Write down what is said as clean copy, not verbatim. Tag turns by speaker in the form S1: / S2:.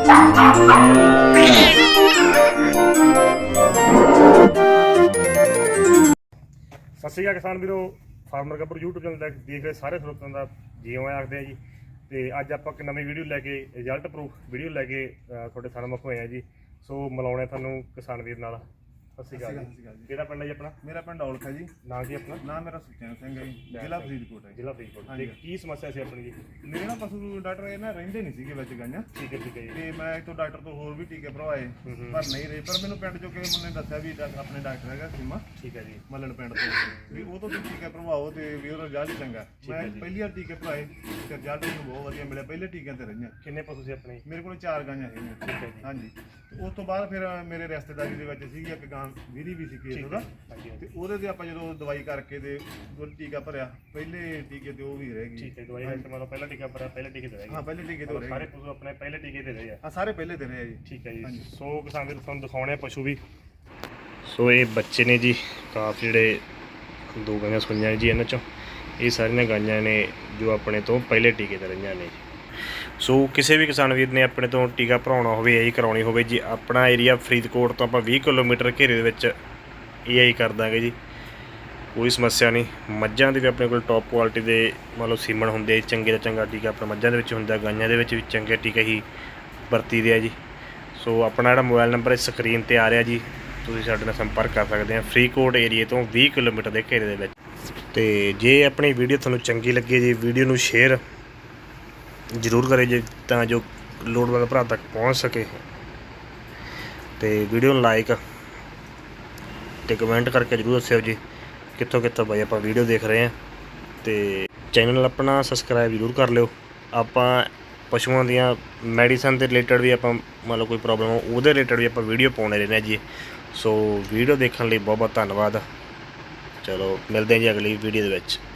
S1: ਸਤਿ ਸ਼੍ਰੀ ਅਕਾਲ ਕਿਸਾਨ ਵੀਰੋ, ਫਾਰਮਰ ਗੱਭਰੂ YouTube ਚੈਨਲ ਦੇਖ ਰਹੇ ਸਾਰੇ ਸਰੋਤਿਆਂ ਦਾ ਜੀ ਆਇਆਂ ਆਖਦੇ ਆ ਜੀ। ਤੇ ਅੱਜ ਆਪਾਂ ਇੱਕ ਨਵੀਂ ਵੀਡੀਓ ਲੈ ਕੇ ਰਿਜ਼ਲਟ ਪ੍ਰੂਫ ਵੀਡੀਓ ਲੈ ਕੇ ਤੁਹਾਡੇ ਸਾਹਮਣੇ ਹੋਏ ਆ ਜੀ। ਸੋ ਮਿਲਾਉਣੇ ਤੁਹਾਨੂੰ ਕਿਸਾਨ ਵੀਰ ਨਾਲ। ਸਤਿ ਸ਼੍ਰੀ ਅਕਾਲ ਜੀ। ਕਿਹੜਾ ਪਿੰਡ ਹੈ ਜੀ ਆਪਣਾ?
S2: ਮੇਰਾ ਪਿੰਡ ਔਲਖ ਹੈ ਜੀ।
S1: ਨਾਮ ਕੀ ਆਪਣਾ?
S2: ਨਾਮ ਮੇਰਾ ਸੁਖਚੈਨ ਸਿੰਘ ਹੈ ਜੀ, ਜ਼ਿਲ੍ਹਾ ਫਰੀਦਕੋਟ ਹੈ।
S1: ਜ਼ਿਲ੍ਹਾ ਫਰੀਦਕੋਟ। ਤੇ ਕੀ ਸਮੱਸਿਆ ਸੀ ਆਪਣੀ ਜੀ?
S2: ਮੇਰੇ ਨਾ ਪਸ਼ੂ ਡਾਕਟਰ ਇਹ ਨਾ ਰਹਿੰਦੇ ਨਹੀਂ ਸੀਗੇ ਵਿੱਚ ਗਾਈਆਂ।
S1: ਠੀਕ ਹੈ ਜੀ।
S2: ਤੇ ਮੈਂ ਇੱਥੋਂ ਡਾਕਟਰ ਤੋਂ ਹੋਰ ਵੀ ਟੀਕੇ ਭਰਵਾਏ ਪਰ ਨਹੀਂ ਰਹੇ। ਪਰ ਮੈਨੂੰ ਪਿੰਡ ਚੋਂ ਕਿਸੇ ਮੁੰਡੇ ਨੇ ਦੱਸਿਆ ਵੀ ਆਪਣੇ ਡਾਕਟਰ ਹੈਗਾ ਸੀਮਾ,
S1: ਠੀਕ ਹੈ ਜੀ,
S2: ਮੱਲਣ ਪਿੰਡ ਤੋਂ, ਵੀ ਉਹ ਤੋਂ ਟੀਕੇ ਭਰਵਾਓ ਤੇ ਵੀ ਉਹਦਾ ਰਿਜ਼ਲਟ ਚੰਗਾ। ਮੈਂ ਪਹਿਲੀ ਵਾਰ ਟੀਕੇ ਭਰਵਾਏ ਤੇ ਰਿਜ਼ਲਟ ਮੈਨੂੰ ਬਹੁਤ ਵਧੀਆ ਮਿਲਿਆ। ਪਹਿਲੇ ਟੀਕਿਆਂ ਤੇ ਰਹੀਆਂ।
S1: ਕਿੰਨੇ ਪਸ਼ੂ ਸੀ ਆਪਣੇ?
S2: ਮੇਰੇ ਕੋਲ 4 ਗਾਈਆਂ ਹੈਗੀਆਂ।
S1: ਠੀਕ ਹੈ ਜੀ।
S2: ਹਾਂਜੀ। ਤੇ ਉਸ ਤੋਂ ਬਾਅਦ ਫਿਰ ਮੇਰੇ ਰਿਸ਼ਤੇਦਾਰੀ ਦੇ ਵਿੱਚ ਸੀਗੀ ਇੱਕ ਗਾਂ ਵੀਰੀ ਵੀ ਸੀ ਕੇਸ ਉਹਦਾ, ਤੇ ਉਹਦੇ ਤੇ ਆਪਾਂ ਜਦੋਂ ਦਵਾਈ ਕਰਕੇ ਤੇ ਉਹ ਟੀਕਾ ਭਰਿਆ, ਪਹਿਲੇ ਟੀਕੇ ਤੇ ਉਹ ਵੀ ਰਹਿ ਗਈ।
S1: ਠੀਕ ਹੈ। ਦਵਾਈ ਦਾ ਮਤਲਬ ਪਹਿਲਾ ਟੀਕਾ ਭਰਿਆ, ਪਹਿਲੇ ਟੀਕੇ ਤੇ ਰਹਿ ਗਏ।
S2: ਹਾਂ, ਪਹਿਲੇ ਟੀਕੇ ਤੇ
S1: ਸਾਰੇ ਪਸ਼ੂ ਆਪਣੇ ਪਹਿਲੇ ਟੀਕੇ ਤੇ ਰਹੇ ਆ।
S2: ਹਾਂ, ਸਾਰੇ ਪਹਿਲੇ ਤੇ ਰਹੇ ਆ ਜੀ।
S1: ਠੀਕ ਹੈ ਜੀ। ਸੋ ਕਿਸਾਨ ਵੀਰ ਤੁਹਾਨੂੰ ਦਿਖਾਉਣੇ ਆ ਪਸ਼ੂ ਵੀ। ਸੋ ਇਹ ਬੱਚੇ ਨੇ ਜੀ, ਕਾਫੀ ਜਿਹੜੇ 2 ਗਾਈਆਂ ਸੂਈਆਂ ਜੀ ਇਹਨਾਂ ਚੋਂ। ਇਹ ਸਾਰੀਆਂ ਗਾਈਆਂ ਨੇ ਜੋ ਆਪਣੇ ਤੋਂ ਪਹਿਲੇ ਟੀਕੇ ਤੇ ਰਹੀਆਂ ਨੇ। ਸੋ ਕਿਸੇ ਵੀ ਕਿਸਾਨ ਵੀਰ ਨੇ ਆਪਣੇ ਤੋਂ ਟੀਕਾ ਭਰਾਉਣਾ ਹੋਵੇ, ਇਹੀ ਕਰਾਉਣੀ ਹੋਵੇ ਜੀ, ਆਪਣਾ ਏਰੀਆ ਫਰੀਦਕੋਟ ਤੋਂ ਆਪਾਂ 20 ਕਿਲੋਮੀਟਰ ਘੇਰੇ ਦੇ ਵਿੱਚ ਇਹੀ ਕਰ ਦਾਂਗੇ ਜੀ। ਕੋਈ ਸਮੱਸਿਆ ਨਹੀਂ। ਮੱਝਾਂ ਦੇ ਵੀ ਆਪਣੇ ਕੋਲ ਟੌਪ ਕੁਆਲਿਟੀ ਦੇ ਮਤਲਬ ਸੀਮਨ ਹੁੰਦੇ, ਚੰਗੇ ਤੋਂ ਚੰਗਾ ਟੀਕਾ ਆਪਣਾ ਮੱਝਾਂ ਦੇ ਵਿੱਚ ਹੁੰਦਾ, ਗਾਈਆਂ ਦੇ ਵਿੱਚ ਵੀ ਚੰਗੇ ਟੀਕੇ ਹੀ ਵਰਤੀ ਦੇ ਆ ਜੀ। ਸੋ ਆਪਣਾ ਜਿਹੜਾ ਮੋਬਾਈਲ ਨੰਬਰ ਇਸ ਸਕਰੀਨ 'ਤੇ ਆ ਰਿਹਾ ਜੀ, ਤੁਸੀਂ ਸਾਡੇ ਨਾਲ ਸੰਪਰਕ ਕਰ ਸਕਦੇ ਆ ਫਰੀਦਕੋਟ ਏਰੀਏ ਤੋਂ 20 ਕਿਲੋਮੀਟਰ ਦੇ ਘੇਰੇ ਦੇ ਵਿੱਚ। ਤੇ ਜੇ ਆਪਣੀ ਵੀਡੀਓ ਤੁਹਾਨੂੰ ਚੰਗੀ ਲੱਗੇ ਜੀ, ਵੀਡੀਓ ਨੂੰ ਸ਼ੇਅਰ ਜ਼ਰੂਰ ਕਰੇ ਜੀ, ਤਾਂ ਜੋ ਲੋੜਵੰਦ ਭਰਾ ਤੱਕ ਪਹੁੰਚ ਸਕੇ। ਤੇ ਵੀਡੀਓ ਨੂੰ ਲਾਈਕ ਤੇ ਕਮੈਂਟ ਕਰਕੇ ਜ਼ਰੂਰ ਦੱਸਿਓ ਜੀ ਕਿੱਥੋਂ ਕਿੱਥੋਂ ਬਾਈ ਆਪਾਂ ਵੀਡੀਓ ਦੇਖ ਰਹੇ ਹਾਂ। ਤੇ ਚੈਨਲ ਆਪਣਾ ਸਬਸਕ੍ਰਾਈਬ ਜ਼ਰੂਰ ਕਰ ਲਿਓ। ਆਪਾਂ ਪਸ਼ੂਆਂ ਦੀਆਂ ਮੈਡੀਸਨ ਦੇ ਰਿਲੇਟਡ ਵੀ ਆਪਾਂ ਮੰਨ ਲਓ ਕੋਈ ਪ੍ਰੋਬਲਮ ਹੋ ਉਹਦੇ ਰਿਲੇਟਡ ਵੀ ਆਪਾਂ ਵੀਡੀਓ ਪਾਉਂਦੇ ਰਹਿੰਦੇ ਹਾਂ ਜੀ। ਸੋ ਵੀਡੀਓ ਦੇਖਣ ਲਈ ਬਹੁਤ ਬਹੁਤ ਧੰਨਵਾਦ। ਚਲੋ ਮਿਲਦੇ ਹਾਂ ਜੀ ਅਗਲੀ ਵੀਡੀਓ ਦੇ ਵਿੱਚ।